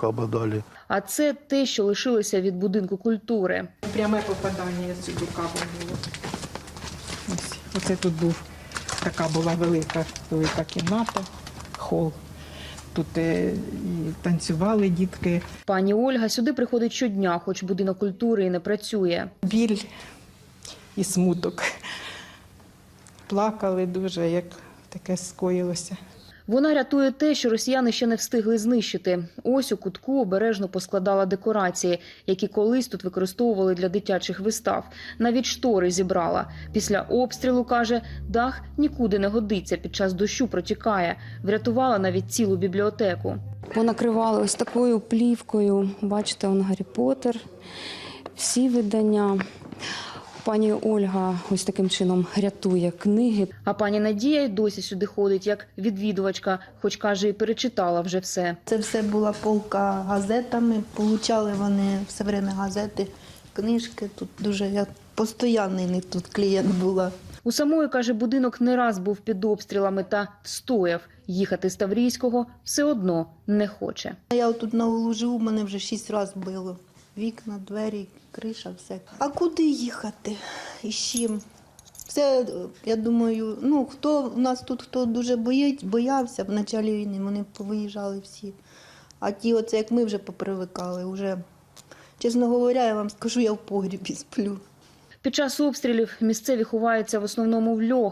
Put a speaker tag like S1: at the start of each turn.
S1: дали.
S2: А це те, що лишилося від будинку культури.
S3: Пряме попадання сюди кабом було. Ось, оце тут така була велика кімната, хол. Тут і танцювали дітки.
S2: Пані Ольга сюди приходить щодня, хоч будинок культури і не працює.
S3: Біль і смуток. Плакали дуже, як таке скоїлося.
S2: Вона рятує те, що росіяни ще не встигли знищити. Ось у кутку обережно поскладала декорації, які колись тут використовували для дитячих вистав. Навіть штори зібрала. Після обстрілу, каже, дах нікуди не годиться, під час дощу протікає. Врятувала навіть цілу бібліотеку. Понакривали ось такою плівкою. Бачите, он Гаррі Поттер, всі видання. Пані Ольга ось таким чином рятує книги. А пані Надія й досі сюди ходить як відвідувачка, хоч, каже, і перечитала вже все.
S4: Це все була полка газетами, получали вони все время газети, книжки. Тут дуже я постійний тут клієнт була.
S2: У самої, каже, будинок не раз був під обстрілами та встояв. Їхати з Таврійського все одно не хоче.
S4: Я тут на углу живу, мене вже 6 разів било. Вікна, двері, криша, все. А куди їхати? І з чим? Це, я думаю, хто у нас тут хто дуже боявся в початку війни, вони повиїжджали всі. А ті, оце як ми вже попривикали, вже, чесно говоря, я вам скажу, я в погрібі сплю.
S2: Під час обстрілів місцеві ховаються в основному в льох.